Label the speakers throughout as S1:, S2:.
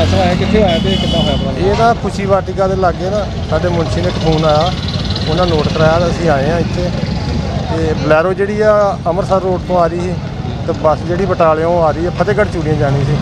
S1: ਹਾਦਸਾ ਹੋਇਆ ਕਿੱਥੇ ਹੋਇਆ ਤੇ ਕਿੱਦਾਂ ਹੋਇਆ ਪਤਾ?
S2: ਇਹ ਨਾ ਖੁਸ਼ੀ ਵਾਟਿਕਾ ਦੇ ਲਾਗੇ ਨਾ ਸਾਡੇ ਮੁਨਸ਼ੀ ਨੇ ਇੱਕ ਫੋਨ ਆਇਆ, ਉਹਨਾਂ ਨੋਟ ਕਰਾਇਆ ਤਾਂ ਅਸੀਂ ਆਏ ਹਾਂ ਇੱਥੇ। ਤੇ ਬਲੈਰੋ ਜਿਹੜੀ ਆ ਅੰਮ੍ਰਿਤਸਰ ਰੋਡ ਤੋਂ ਆ ਰਹੀ ਸੀ ਤੇ ਬੱਸ ਜਿਹੜੀ ਬਟਾਲਿਓਂ ਆ ਰਹੀ ਹੈ ਫਤਿਹਗੜ੍ਹ ਚੂੜੀਆਂ ਜਾਣੀ ਸੀ।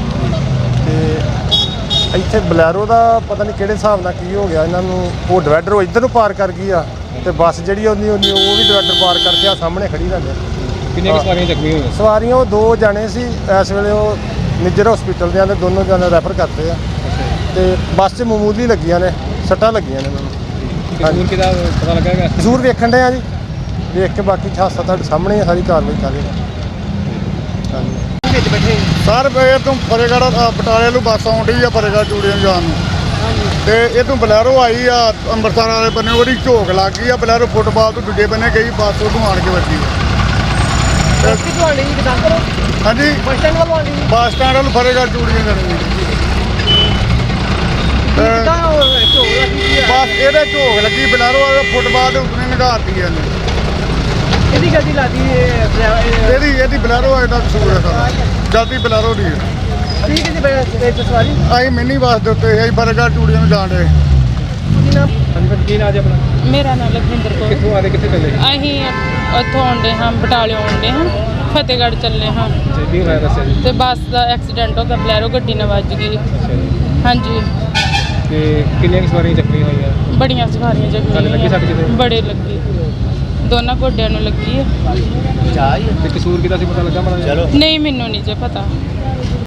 S2: ਤੇ ਇੱਥੇ ਬਲੈਰੋ ਦਾ ਪਤਾ ਨਹੀਂ ਕਿਹੜੇ ਹਿਸਾਬ ਨਾਲ ਕੀ ਹੋ ਗਿਆ ਇਹਨਾਂ ਨੂੰ, ਉਹ ਡਿਵਾਈਡਰ ਉਹ ਇੱਧਰ ਨੂੰ ਪਾਰ ਕਰ ਗਈ ਆ ਤੇ ਬੱਸ ਜਿਹੜੀ ਉਹਦੀ ਉਹ ਵੀ ਡਿਵਾਈਡਰ ਪਾਰ ਕਰਕੇ ਆ ਸਾਹਮਣੇ ਖੜੀ ਰਹਿ ਗਈ।
S1: ਕਿੰਨੀਆਂ ਸਵਾਰੀਆਂ ਜ਼ਖਮੀ ਹੋਈਆਂ?
S2: ਸਵਾਰੀਆਂ ਉਹ 2 ਜਾਣੇ ਸੀ, ਇਸ ਵੇਲੇ ਉਹ ਨਿੱਜਰ ਹਸਪੀਟਲ ਦੇ ਆਂਦੇ, ਦੋਨੋਂ ਜਾਣੇ ਰੈਫਰ ਕਰਤੇ ਆ ਤੇ ਬੱਸ 'ਚ ਮਾਮੂਲੀ ਲੱਗੀਆਂ ਨੇ, ਸੱਟਾਂ ਲੱਗੀਆਂ ਨੇ ਮੈਨੂੰ।
S1: ਕਸੂਰ ਕਿਹਦਾ ਪਤਾ ਲੱਗਿਆ?
S2: ਜ਼ਰੂਰ ਵੇਖਣ ਡਏ ਆ ਜੀ, ਵੇਖ ਕੇ ਬਾਕੀ ਹਾਦਸਾ ਤੁਹਾਡੇ ਸਾਹਮਣੇ ਆ, ਸਾਰੀ ਕਾਰਵਾਈ ਕਰ ਰਹੇ ਹਾਂ। ਹਾਂਜੀ
S1: ਵਿੱਚ ਬੈਠੇ
S3: ਸਰ ਇਹ ਤੋਂ ਫਤਿਹਗੜ੍ਹ ਬਟਾਲੇ ਨੂੰ ਬੱਸ ਆਉਂਦੀ ਆ ਫਤਿਹਗੜ੍ਹ ਚੂੜੀਆਂ ਜਾਣ ਨੂੰ, ਤੇ ਇਹ ਤੋਂ ਬਲੈਰੋ ਆਈ ਆ ਅੰਮ੍ਰਿਤਸਰ ਵਾਲੇ ਬੰਨੇ, ਉਹਦੀ ਝੋਕ ਲੱਗ ਗਈ ਆ। ਬਲੈਰੋ ਫੁੱਟਬਾਲ ਤੋਂ ਦੂਜੇ ਬੰਨੇ ਗਈ, ਬੱਸ ਉਹਨੂੰ ਆਣ ਕੇ ਵੱਜੀ ਆ।
S1: ਕਿੱਥੋਂ ਆਣੀ ਜੀ ਦੱਸ ਕਰੋ?
S3: ਹਾਂਜੀ
S1: ਬੱਸ ਸਟੈਂਡ ਵੱਲੋਂ ਆਣੀ?
S3: ਬੱਸ ਸਟੈਂਡ ਵੱਲ ਫਤਿਹਗੜ੍ਹ ਚੂੜੀਆਂ ਜਾਣੀ
S1: ਕਿੱਦਾਂ ਝੋਕ ਲੱਗੀ ਆ?
S3: ਬੱਸ ਇਹਦੇ ਝੋਕ ਲੱਗੀ, ਬਲੈਰੋ ਵਾਲੇ ਫੁੱਟਬਾਲ ਦੇ ਉੱਤੇ ਨਿਗਾਰਤੀ ਆ ਇਹਨੇ।
S1: ਕਿਹਦੀ ਗੱਡੀ ਲਾਦੀ
S3: ਇਹਦੀ ਬਲੈਰੋ ਵਾਲੇ ਦਾ ਕਸੂਰ ਹੈ ਸਾਰਾ, ਜਲਦੀ ਬਲੈਰੋ ਦੀ ਹੈ।
S1: ਠੀਕ ਹੈ ਜੀ ਸਵਾਰੀ
S3: ਅਸੀਂ ਮਿੰਨੀ ਬੱਸ ਦੇ ਉੱਤੇ ਅਸੀਂ ਫਤਿਹਗੜ੍ਹ ਚੂੜੀਆਂ ਨੂੰ ਜਾਣ ਰਹੇ।
S1: ਕੀ ਨਾਮ? ਹਾਂਜੀ ਭਾਜੀ ਕੀ ਨਾਮ ਜੀ ਆਪਣਾ?
S4: ਮੇਰਾ ਨਾਮ ਲਖਵਿੰਦਰ ਕੌਰ।
S1: ਕਿੱਥੋਂ ਆਦੇ ਕਿੱਥੇ ਚੱਲੇ?
S4: ਅਸੀਂ ਉੱਥੋਂ ਆਉਂਦੇ ਹਾਂ, ਬਟਾਲਿਓਂ ਆਉਂਦੇ ਹਾਂ, ਫਤਿਹਗੜ੍ਹ ਚੱਲੇ ਹਾਂ
S1: ਕੀ ਹੋਇਆ ਦੱਸਿਆ ਜੀ?
S4: ਤੇ ਬੱਸ ਦਾ ਐਕਸੀਡੈਂਟ ਹੋ ਗਿਆ, ਬਲੈਰੋ ਗੱਡੀ ਨਾਲ ਵੱਜ ਗਈ।
S1: ਅੱਛਾ ਜੀ।
S4: ਹਾਂਜੀ
S1: ਤੇ ਕਿੰਨੀਆਂ ਸਵਾਰੀਆਂ ਜ਼ਖਮੀ ਹੋਈਆਂ?
S4: ਬੜੀਆਂ ਸਵਾਰੀਆਂ
S1: ਤੁਹਾਨੂੰ ਲੱਗੀ ਸੱਟ ਕਿਤੇ?
S4: ਜ਼ਖਮੀ ਬੜੇ ਲੱਗੀ, ਦੋਨਾਂ ਗੋਡਿਆਂ ਨੂੰ ਲੱਗੀ ਹੈ।
S1: ਤੇ ਕਸੂਰ ਕਿਹਦਾ ਸੀ ਪਤਾ ਲੱਗਾ ਮਾੜਾ ਜਿਹਾ?
S4: ਨਹੀਂ ਮੈਨੂੰ ਨਹੀਂ ਜੇ ਪਤਾ।